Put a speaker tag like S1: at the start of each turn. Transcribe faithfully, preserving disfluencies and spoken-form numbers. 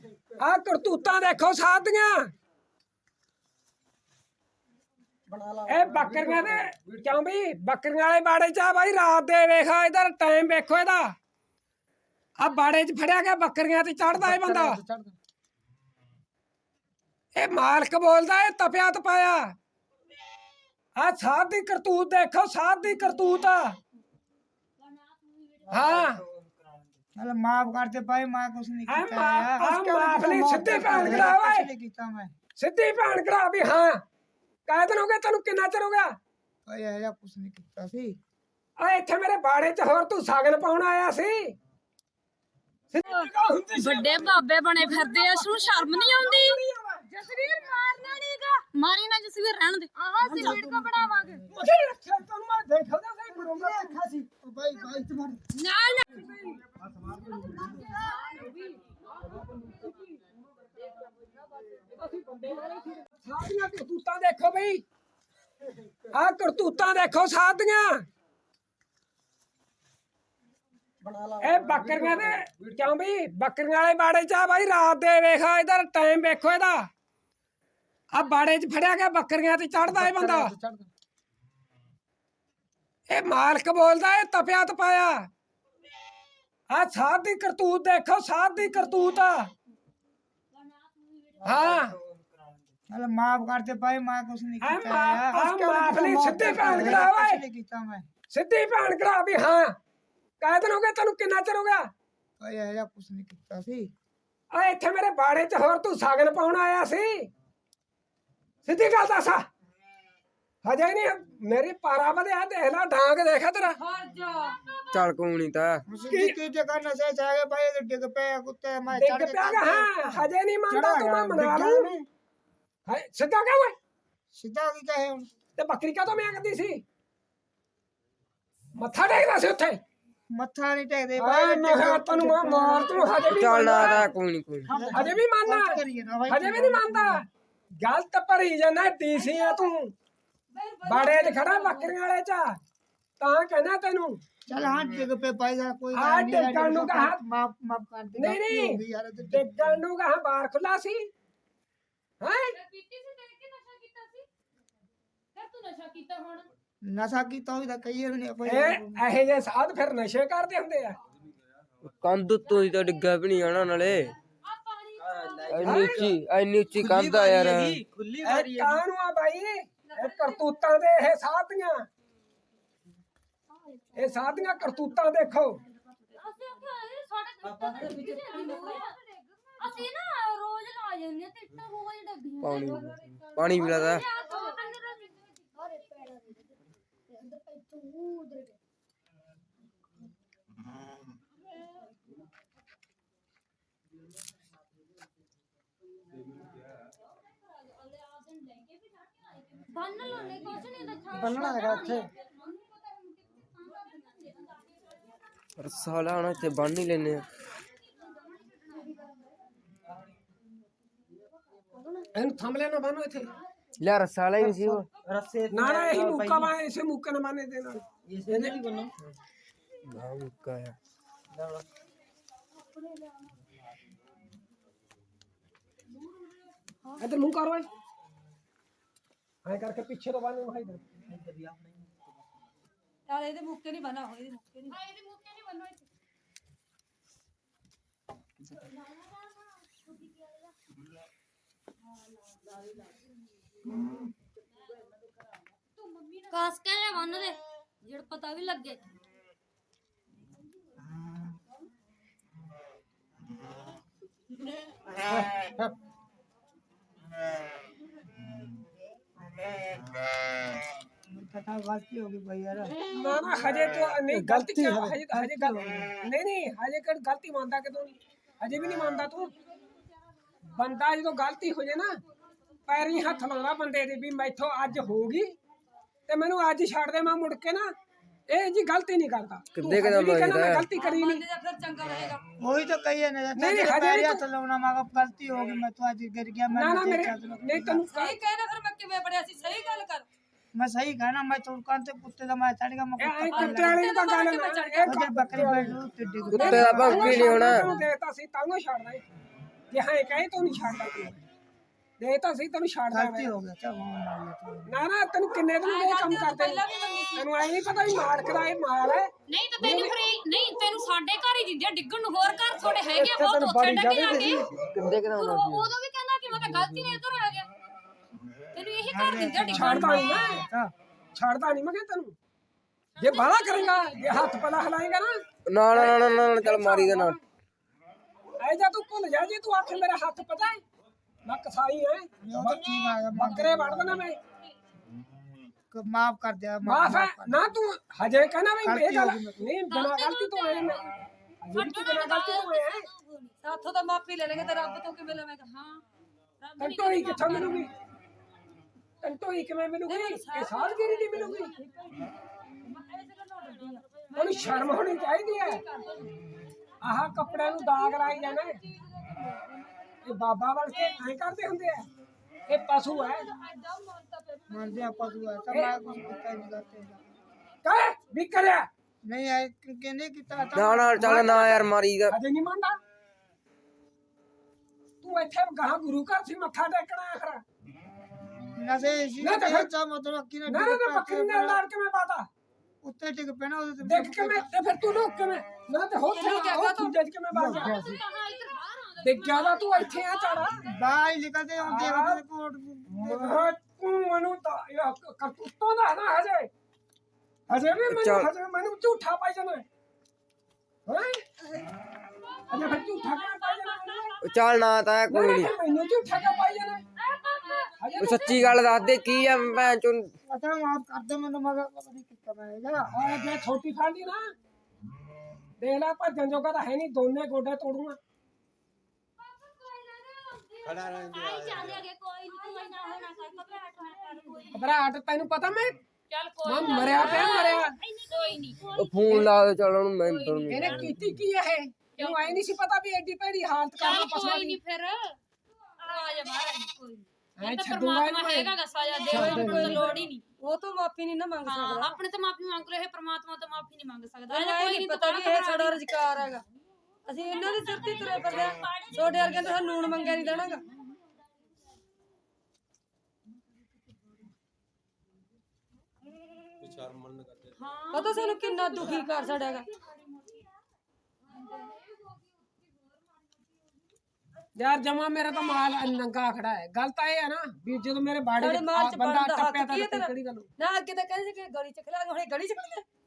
S1: आ करतूतां देखो सादियां ए बकरियां दे क्यों भी बकरियां वाले बाड़े च भाई रात दे वेखो इधर टाइम वेखो इहदा आ बाड़े च फड़िया गया बकरियां ते चढ़दा है बंदा ए मालक बोलदा है तपिया तपाया आ साध दी करतूत देखो साध दी करतूत हाँ
S2: चल माफ करते भाई मैं कुछ नहीं
S1: आ
S2: किया
S1: मा-
S2: यार
S1: आ माफली सिद्धि भैन करा
S2: कुछ
S1: ਓਏ
S2: नहीं किया मैं
S1: सिद्धि भैन करा भी हाँ काहे दिन हो गए तेनू किन्ना चिर हो गया
S2: भाई ऐसा कुछ नहीं किया सी
S1: आ इत्थे मेरे बाड़े च होर तू सागन पाउण आया सी
S3: ਵੱਡੇ ਬਾਬੇ ਬਣੇ ਫਿਰਦੇ ਆ ਨੂੰ ਸ਼ਰਮ ਨਹੀਂ ਆਉਂਦੀ ਜਸਵੀਰ ਮਾਰਨਾ ਨਹੀਂਗਾ ਮਾਰੀ ਨਾ ਜਸਵੀਰ ਰਹਿਣ ਦੇ ਆਹ ਅਸੀਂ ਵੀਡੀਓ ਬਣਾਵਾਂਗੇ
S1: ਮੁਝੇ ਰੱਖਿਆ ਤੈਨੂੰ ਮੈਂ ਦੇਖਦਾ ਸਹੀ ਬਣਾਉਂਦਾ ਰੱਖਿਆ ਸੀ
S2: भाई भाई तुम्हारे
S3: ਨਾ ਨਾ
S1: ਸਾਡੀਆਂ ਕਰਤੂਤਾਂ ਦੇਖੋ ਬਈ ਆ ਕਰਤੂਤਾਂ ਦੇਖੋ ਸਾਡੀਆਂ ਇਹ ਬੱਕਰੀਆਂ ਦੇ ਕਿਉਂ ਵੀ ਬੱਕਰੀਆਂ ਵਾਲੇ ਬਾੜੇ ਚ ਆ ਭਾਈ ਰਾਤ ਦੇ ਵੇਖੋ ਇਧਰ ਟਾਈਮ ਵੇਖੋ ਇਹਦਾ ਆ ਬਾੜੇ ਚ ਫੜਿਆ ਗਿਆ ਬੱਕਰੀਆਂ ਤੇ ਚੜਦਾ ਹੈ ਬੰਦਾ ਇਹ ਮਾਲਕ ਬੋਲਦਾ ਹੈ ਤਪਿਆ ਤਪਾਇਆ ਆ ਸਾਧ ਦੀ ਕਰਤੂਤ ਦੇਖੋ ਸਾਧ ਦੀ ਕਰਤੂਤ हाँ
S2: चल माफ करते भाई मैं कुछ नहीं
S1: आ
S2: किया
S1: मा-
S2: यार
S1: आ माफली सिद्धि भैन करा
S2: कुछ
S1: ਓਏ
S2: नहीं किया मैं
S1: सिद्धि भैन करा भी हाँ काहे दिन हो गए तेनू किन्ना चिर हो गया
S2: भाई ऐसा कुछ नहीं किया सी
S1: आ इत्थे मेरे बाड़े च होर तू सागन पाउण आया सी सिद्धि गल दस हजे नहीं मेरी पारा बधया देख ला डांग देखा तेरा
S4: ਚੱਲ ਕੋਈ ਨਹੀਂ ਤਾਂ
S2: की की जगह नशे जागे भाई तो डिग पे कुत्ते मैं
S1: डिग पिया गा हाँ हजे नहीं मानता तू मैं मना लूं हाय सिद्धा क्या हुआ
S2: सीधा की कहे हुन
S1: ते बकरी का तो मैं करदी सी मत्था टेकदा सी उत्थे
S2: मत्था नहीं टेक दे
S1: भाई
S2: भाई
S1: मैं किहा तैनू मैं मार तू हजे भी
S4: ਚੱਲ ਨਾ
S1: मानदा?
S4: ਤਾਂ ਕੋਈ ਨਹੀਂ ਕੋਈ ਨੀ।
S1: हजे भी मानना
S2: करिए ना भाई
S1: हजे भी नहीं मानता गलत भरी जाना टीसी है तू बाड़े च खड़ा बकरियां वाले च तां कहना तेनू
S2: चल हाँ डिग पे भाई यार कोई
S1: हाँ,
S2: बात नहीं,
S1: डिगन नु
S2: डिग
S1: कहा।
S2: पे माफ माफ कर दे
S1: नहीं
S2: गलती हो
S1: नहीं
S2: गई यार तो
S1: डिगन नु कहा बार खुला सी हैं
S3: ਪੀਤੀ ਸੀ ਦੇਖ ਕੇ ਨਸ਼ਾ ਕੀਤਾ ਸੀ ਫਿਰ ਤੂੰ ਨਸ਼ਾ ਕੀਤਾ ਹੁਣ
S2: नशा की तो इधर कहिए नहीं कोई
S1: ਇਹ ਇਹੋ ਜਿਹੇ ਸਾਧ ਫਿਰ ਨਸ਼ੇ ਕਰਦੇ ਹੁੰਦੇ ਆ
S4: ਕੰਧ ਉੱਤੋਂ ਦੀ ਤਾਂ ਡਿੱਗਾ ਵੀ ਨਹੀਂ ਆਣਾ ਨਾਲੇ
S3: ਆ ਪਾਣੀ
S4: ਇੰਨੀ ਉੱਚੀ ਇੰਨੀ ਉੱਚੀ ਕੰਧ ਆ ਯਾਰ
S1: ਇਹ ਕਾਹਨੂੰ ਆ ਬਾਈ ਇਹ ਕਰਤੂਤਾਂ ਦੇ ਇਹ ਸਾਧੀਆਂ ਇਹ ਸਾਧੀਆਂ ਕਰਤੂਤਾਂ ਦੇਖੋ
S3: ਅਸੀਂ ਆਖਿਆ ਇਹ ਸਾਡੇ ਅਸੀਂ ਨਾ ਰੋਜ਼ ਲਾ ਜਾਂਦੇ ਆ ਤੇ ਇੱਟਾਂ ਰੋਜ਼ ਡੱਬੀਆਂ
S4: ਪਾਣੀ ਪਾਣੀ ਵੀ ਲਾਦਾ
S3: ਬੰਨ ਲੋ ਨਹੀਂ ਕੁਛ ਨਹੀਂ ਦਿਖਾ
S2: बनना है अच्छे
S4: ਰੱਸਾ ਲਾਣਾ ਇੱਥੇ ਬੰਨ ਹੀ ਲੈਨੇ ਆ
S1: ਇਹਨੂੰ ਥੰਮ ਲੈਣਾ ਬਾਨੋ ਇੱਥੇ
S4: ਲੈ ਰੱਸਾ ਵਾਲਾ ਹੀ ਨਹੀਂ ਸੀ ਉਹ
S1: ਨਾ ਨਾ ਇਹੀ ਮੁੱਕਾ ਬਾ ਇਸੇ ਮੁੱਕੇ ਨਾ ਮਾਨੇ ਦੇ ਨਾਲ ਇਹਨੇ
S4: ਨਾ ਮੁੱਕਾ ਆ
S1: ਇਧਰ ਮੂੰਹ ਕਰ ਓਏ ਐ ਕਰਕੇ ਪਿੱਛੇ ਤੋਂ ਬਾਨੇ ਭਾਈ ਇਧਰ
S5: यार ਇਹਦੇ ਮੁੱਕੇ ਨਹੀਂ ਬਣਾ ਹੋਏ ਇਹਦੇ ਮੁੱਕੇ ਨਹੀਂ
S3: ਇਹਦੇ ਮੁੱਕੇ ਨਹੀਂ ਬੰਨੋ ਇੱਥੇ ਕਾਸ ਕੇ ਲੈ ਬੰਨ ਦੇ ਜੜ ਪਤਾ ਵੀ ਲੱਗੇ
S2: पता गलती होगी भाई यार
S1: ना ना हजे तो नहीं गलती क्या हजे हजे गल नहीं नहीं हजे कर गलती मानता कि तू नहीं हजे भी नहीं मानता तू बंदा जो गलती हो जाए ना पैरी हथ लाना बंदे दे भी मैथों अज होगी ते मैनू अज छड़ दे मैं मुड़ के ना ए जी गलती नहीं करता
S4: किद्दे कदम
S1: मैं
S4: लगदा है?
S1: गलती करी नहीं
S5: ਬੰਦੇ ਦਾ ਫਿਰ ਚੰਗਾ ਰਹੇਗਾ
S2: वही तो कहिए ना
S1: नहीं, नहीं, हजे भी
S2: पैरिया
S1: तो-
S2: चलाना मां गलती होगी मैं तो आज गिर गया मैं
S1: ना ना
S2: नहीं
S1: मेरे
S2: देखा तो-
S1: नहीं तेनू
S5: ਸਹੀ ਕਹਿਣਾ ਫਿਰ ਮੈਂ ਕਿਵੇਂ ਪੜਿਆ ਸੀ ਸਹੀ ਗੱਲ ਕਰ
S2: मैं सही कहना मैं तो कान से कुत्ते का मैं चढ़ गया मैं
S1: ए
S2: कुत्ता
S1: आई
S2: पाल
S1: कुत्ते वाली दा गल ना ए
S2: उधर बकरी बैठ लो तो डिग
S4: कुत्ते ਦਾ ਭੌਂਕੀ ਨਹੀਂ ਹੋਣਾ
S1: देता सी तांगो छड़दा ਕਿ ਹਾਂ ਕਹੇ ਤੂੰ ਨਹੀਂ ਛੱਡਦਾ ਤੂੰ ਦੇ ਤਾਂ ਸਹੀ ਤੈਨੂੰ ਛੱਡਦਾ
S2: ਗਲਤੀ
S1: ਮੈਂ
S2: ਹੋ ਗਿਆ ਚਾ ਮਾਰ
S1: ਨਾ ਨਾ ਤੈਨੂੰ ਕਿੰਨੇ ਦਿਨ ਇਹ ਕੰਮ ਕਰਦੇ ਤੈਨੂੰ ਐ ਨਹੀਂ ਪਤਾ ਵੀ ਮਾਰ ਕਰਾਏ ਮਾਰ ਹੈ
S3: ਨਹੀਂ ਤਾਂ ਤੈਨੂੰ ਫਰੀ ਨਹੀਂ ਤੈਨੂੰ ਸਾਡੇ ਘਰ ਹੀ ਦਿੰਦੇ ਆ ਡਿੱਗਣ ਨੂੰ ਹੋਰ ਘਰ ਤੁਹਾਡੇ ਹੈਗੇ ਆ ਬਹੁਤ ਉੱਥੇ ਡੱਗੇ ਆ ਕੇ
S4: ਕਿੰਦੇ ਕਿਦਾਂ
S3: ਤੂੰ ਉਦੋਂ ਵੀ ਕਹਿੰਦਾ ਕਿ ਮੈਂ ਤਾਂ ਗਲਤੀ ਨਾਲ ਇੱਧਰ ਆ ਗਿਆ ਤੈਨੂੰ ਇਹੀ ਘਰ ਦਿੰਦੇ ਆ ਡਿੱਗਣ
S1: ਛੱਡਦਾ ਨਹੀਂ ਮੈਂ ਛੱਡਦਾ ਨਹੀਂ ਮੈਂ ਕਿਹਾ ਤੈਨੂੰ ਜੇ ਬਾਹਲਾ ਕਰੇਗਾ ਜੇ ਹੱਥ ਪਲਾ ਹਲਾਏਗਾ ਨਾ
S4: ਨਾ ਨਾ ਨਾ ਨਾ ਨਾ, ਚੱਲ ਮਾਰੀ ਦੇ ਨਾ
S1: ਐ ਜਾ ਤੂੰ ਭੁੱਲ ਜਾ ਜੇ ਤੂੰ ਆਖ ਮੇਰਾ ਹੱਥ ਪਤਾ ਹੈ ਮੈਂ ਕਸਾਈ ਹੈ
S2: ਠੀਕ ਆ ਗਿਆ
S1: ਬੱਕਰੇ ਵੜ ਦੇਣਾ ਮੈਂ
S2: ਮਾਫ ਕਰ ਦਿਆ
S1: ਮਾਫ ਹੈ ਨਾ ਤੂੰ ਹਜੇ ਕਹਿਣਾ ਵੀ ਇਹ ਗੱਲ ਨਹੀਂ ਬਿਨਾਂ ਗਲਤੀ ਤੋਂ ਆਏ ਮੈਂ ਹਜੇ ਤੂੰ ਬਿਨਾਂ ਗਲਤੀ ਤੋਂ ਆਇਆ
S5: ਸਾਥੋਂ ਤਾਂ ਮਾਫੀ ਲੈ ਲੈਂਗੇ ਤੇ ਰੱਬ ਤੋਂ ਕਿਵੇਂ ਲਵੇਂਗਾ ਹਾਂ
S1: ਟੰਟੋਈ ਕਿੱਥੋਂ ਮਿਲੂਗੀ ਟੰਟੋਈ ਕਿਵੇਂ ਮਿਲੂਗੀ ਇਹ ਸਾਲਗਿਰੀ ਦੀ ਮਿਲੂਗੀ ਉਹਨੂੰ ਸ਼ਰਮ ਹੋਣੀ ਚਾਹੀਦੀ ਹੈ ਆਹ ਕੱਪੜਿਆਂ ਨੂੰ ਦਾਗ ਲਾਈ ਜਾਣਾ ਇਹ ਬਾਬਾ ਬਣ ਕੇ ਐਂ ਕਰਦੇ ਹੁੰਦੇ ਆ ਇਹ ਪਸ਼ੂ ਹੈ
S2: ਮੰਨਦੇ ਆਪਾਂ ਤੂੰ ਐਸਾ ਮੈਂ ਕੁਝ ਕੀਤਾ ਨਹੀਂ ਕਰਤੇ
S1: ਕਹੇ ਵੀ ਕਰਿਆ
S2: ਨਹੀਂ ਐ ਕਿਹਨੇ ਕੀਤਾ ਤਾਂ
S4: ਨਾ ਨਾ ਚੱਲ ਨਾ ਯਾਰ ਮਾਰੀ ਦਾ
S1: ਅਜੇ ਨਹੀਂ ਮੰਨਦਾ ਤੂੰ ਇੱਥੇ ਗਾਂ ਗੁਰੂ ਘਰ ਸੀ ਮੱਥਾ ਟੇਕਣਾ ਆਖਰ
S2: ਨਸੇ ਸੀ
S1: ਨਾ ਤਾਂ ਫਿਰ-
S2: ਚਾ ਮਤਲਬ ਕਿ
S1: ਨਾ ਨਾ ਨਾ ਬੱਕਰੀ ਨਾਲ ਲੜ ਕੇ ਮੈਂ ਪਾਤਾ
S2: ਉੱਤੇ ਟਿਕ ਪੈਣਾ ਉਹਦੇ ਤੇ
S1: ਦੇਖ ਕੇ ਮੈਂ ਤੇ ਫਿਰ ਤੂੰ ਲੁੱਕ ਕੇ ਮੈਂ ਨਾ ਤੇ ਹੋ ਗਿਆ ਤੂੰ ਜੱਜ ਕੇ ਮੈਂ ਬਾਹਰ ਗਿਆ
S3: ਤੂੰ ਕਹਾਂ ਇੱਧਰ ਬਾਹਰ ਆਉਂਦਾ
S1: ਤੇ ਜਿਆਦਾ ਤੂੰ ਇੱਥੇ ਆ ਚਾੜਾ
S2: ਬਾਹਰ ਨਿਕਲਦੇ ਹੁੰਦੇ ਉਹਦੇ ਕੋਟ
S1: ਤੂੰ ਮੈਨੂੰ ਤਾਂ ਇਹ ਕਰਤੂਤੋਂ ਦਾ ਨਾ ਹਜੇ ਹਜੇ ਵੀ ਮੈਨੂੰ ਹਜੇ ਮੈਨੂੰ ਝੂਠਾ ਪਾਈ ਜਾਣਾ ਹੈ ਅਜੇ ਫਿਰ ਝੂਠਾ ਕਿਉਂ ਪਾਈ ਜਾਣਾ
S4: ਚੱਲ ਨਾ ਤਾਂ ਕੋਈ ਨਹੀਂ
S1: ਮੈਨੂੰ ਝੂਠਾ ਕਿਉਂ ਪਾਈ ਜਾਣਾ ਹਜੇ
S4: ਉਹ ਸੱਚੀ ਗੱਲ ਦੱਸ ਦੇ ਕੀ ਆ ਭੈਣ ਚੋਂ
S2: ਪਤਾ ਮਾਫ ਕਰ ਦੇ ਮੈਨੂੰ ਮਗਰ ਨਹੀਂ ਕੀਤਾ ਮੈਂ ਜਾ
S1: ਆ ਜੇ ਛੋਟੀ ਫਾਂਡੀ ਨਾ ਦੇਖ ਲੈ ਭੱਜਣ ਜੋਗਾ ਤਾਂ ਹੈ ਨਹੀਂ ਦੋਨੇ ਗੋਡੇ ਤੋੜੂਗਾ
S3: ਖੜਾ ਰਹਿੰਦੇ ਆ ਚੱਲ ਗਿਆ ਕੋਈ ਨਹੀਂ ਤੂੰ ਇੰਨਾ ਹੋਣਾ ਕਰ ਘਬਰਾਹਟ ਨਾ ਕਰ ਕੋਈ ਨੀ।
S1: ਘਬਰਾਹਟ ਤੈਨੂੰ ਪਤਾ ਮੈਂ
S3: ਚੱਲ ਕੋਈ
S1: ਮੈਂ
S3: ਨਾ
S1: ਮਰਿਆ ਪਿਆ ਮਰਿਆ
S3: ਕੋਈ ਨਹੀਂ
S4: ਉਹ ਫੋਨ ਲਾ ਦੇ ਚੱਲ ਉਹਨੂੰ ਮੈਂ ਤੁਹਾਨੂੰ
S1: ਇਹਨੇ ਕੀਤੀ ਕੀ ਇਹ ਇਹਨੂੰ ਆਈ ਨਹੀਂ ਸੀ ਪਤਾ ਵੀ ਐਡੀ ਭੈੜੀ ਹਾਲਤ ਕਰਨਾ
S3: ਚੱਲ
S1: ਪਸਵਾ
S3: ਕੋਈ
S1: ਦੀ
S3: ਨਹੀਂ ਫਿਰ ਆ ਜਾ ਬਾਹਰ ਕੋਈ
S1: ਐ
S3: ਇਹ ਤਾਂ
S1: ਛੱਡੂਗਾ ਇਹਨੂੰ
S3: ਪਰਮਾਤਮਾ
S1: ਮੈਂ।
S3: ਹੈਗਾ ਗਾ ਸਜ਼ਾ ਦੇਵੇ ਕੋਈ ਲੋੜ ਹੀ ਨਹੀਂ
S5: ਉਹ ਤੋਂ ਮਾਫੀ ਨਹੀਂ ਨਾ ਮੰਗ
S3: ਹਾਂ
S5: ਸਕਦਾ
S3: ਆਪਣੇ ਤੋਂ ਮਾਫੀ ਮੰਗ ਲੋ ਇਹ ਪਰਮਾਤਮਾ ਤੋਂ ਮਾਫੀ ਨਹੀਂ ਮੰਗ ਸਕਦਾ
S5: ਇਹਨਾਂ ਇਹ ਨਹੀਂ ਪਤਾ ਵੀ ਇਹ ਸਾਡਾ ਰੁਜ਼ਗਾਰ ਹੈਗਾ ਅਸੀਂ ਇਹਨਾਂ ਦੇ ਸਿਰ ਤੇ ਹੀ ਤੁਰੇ ਫਿਰਦੇ ਆ ਛੋਟੇ ਵਰਗੇ ਨੇ ਸਾਨੂੰ ਲੂਣ ਮੰਗਿਆ ਨਹੀਂ ਦੇਣਾਗਾ ਉਹ ਤਾਂ ਸਾਨੂੰ ਕਿੰਨਾ ਦੁਖੀ ਕਰ ਛੜਿਆਗਾ
S1: ਯਾਰ ਜਮਾ ਮੇਰਾ ਤਾਂ ਮਾਲ ਨੰਗਾ ਖੜਾ ਹੈ ਗੱਲ ਤਾਂ ਇਹ ਹੈ ਨਾ ਵੀ ਜਦੋਂ ਮੇਰੇ ਬਾੜੇ
S5: ਸਾਡੇ ਮਾਲ ਚ
S1: ਬੰਦਾ
S5: ਬਣਦਾ ਹੱਕ
S1: ਟੱਪਿਆ ਤਾਂ
S5: ਕੀ ਹੈ ਤੇਰਾ
S1: ਕਿਹੜੀ ਗੱਲ
S5: ਨਾ ਅੱਗੇ ਤਾਂ ਕਹਿੰਦੇ ਸੀ ਕਿ ਗਲੀ ਚ ਖਿਲਾ ਹੁਣ ਇਹ ਗਲੀ ਚ ਖੜੇ